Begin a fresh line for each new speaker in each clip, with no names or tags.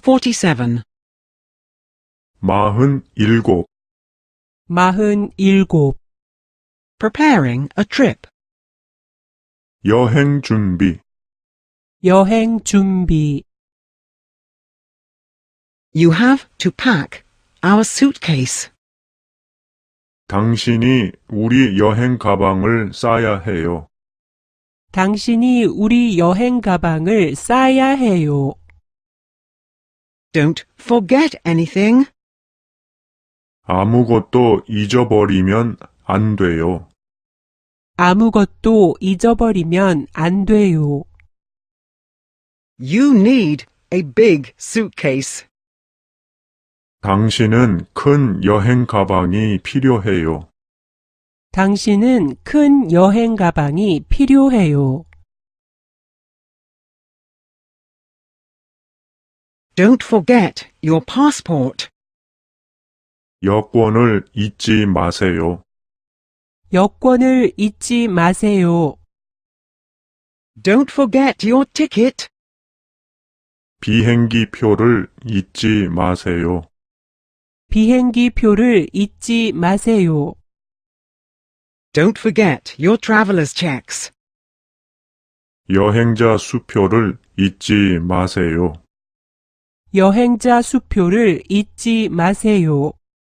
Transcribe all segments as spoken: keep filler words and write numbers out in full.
forty-seven.
마흔 일곱.
마흔 일곱.
Preparing a trip.
여행 준비.
여행 준비.
You have to pack our suitcase.
당신이 우리 여행 가방을 싸야 해요.
당신이 우리 여행 가방을 싸야 해요.
Don't forget anything.
아무것도 잊어버리면 안 돼요.
아무것도 잊어버리면 안 돼요.
You need a big suitcase.
당신은 큰 여행 가방이 필요해요.
당신은 큰 여행 가방이 필요해요.
Don't forget your passport.
여권을 잊지 마세요.
여권을 잊지 마세요.
Don't forget your ticket.
비행기 표를 잊지 마세요.
비행기 표를 잊지 마세요.
Don't forget your traveler's checks.
여행자 수표를 잊지 마세요.
여행자 수표를 잊지 마세요.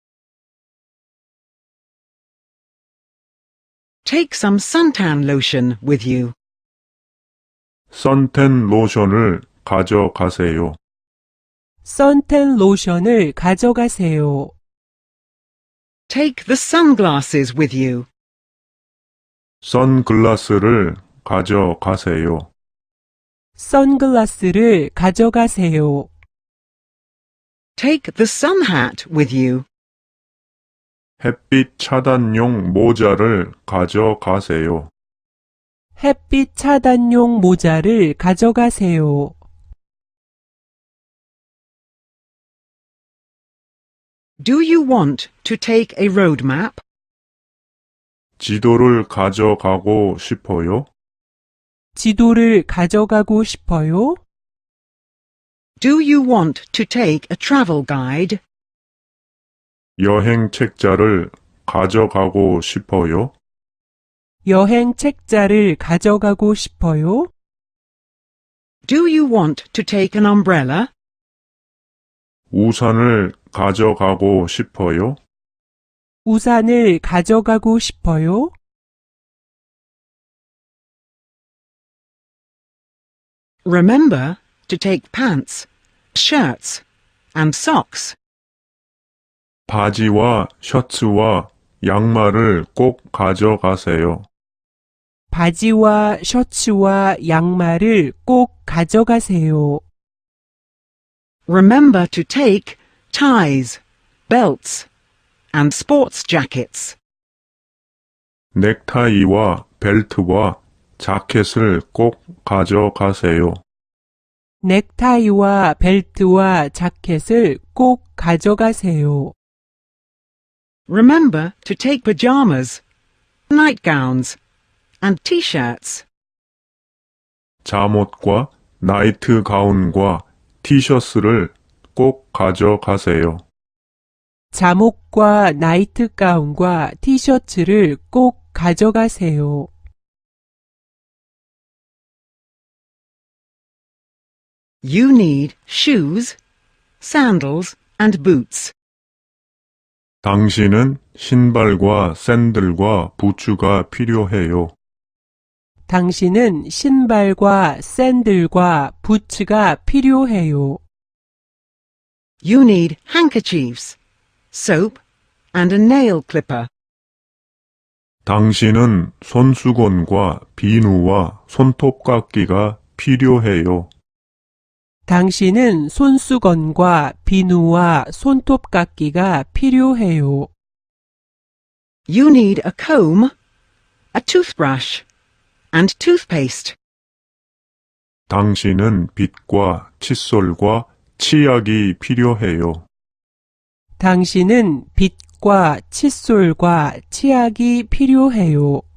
Take some suntan lotion with you.
선텐 로션을 가져가세요.
선텐 로션을 가져가세요.
Take the sunglasses with you.
선글라스를 가져가세요.
선글라스를 가져가세요.
Take the sun hat with you.
햇빛 차단용 모자를 가져가세요.
햇빛 차단용 모자를 가져가세요.
Do you want to take a road map?
지도를 가져가고 싶어요?
지도를 가져가고 싶어요?
Do you want to take a travel guide?
여행 책자를 가져가고 싶어요?
여행 책자를 가져가고 싶어요?
Do you want to take an umbrella?
우산을 가져가고 싶어요?
우산을 가져가고 싶어요?
Remember to take pants, shirts, and socks.
바지와 셔츠와 양말을 꼭 가져가세요.
바지와 셔츠와 양말을 꼭 가져가세요.
Remember to take ties, belts, and sports jackets.
넥타이와 벨트와 자켓을 꼭 가져가세요.
넥타이와 벨트와 자켓을 꼭 가져가세요.
Remember to take pajamas, nightgowns, and t-shirts.
잠옷과 나이트 가운과 티셔츠를 꼭 가져가세요.
잠옷과 나이트 가운과 티셔츠를 꼭 가져가세요.
You need shoes, sandals, and boots.
당신은 신발과 샌들과 부츠가 필요해요.
당신은 신발과 샌들과 부츠가 필요해요.
You need handkerchiefs, soap, and a nail clipper.
당신은 손수건과 비누와 손톱깎이가 필요해요.
당신은 손수건과 비누와 손톱깎이가 필요해요.
You need a comb, a toothbrush, and toothpaste.
당신은 빗과 칫솔과 치약이 필요해요.
당신은 빗과 칫솔과 치약이 필요해요.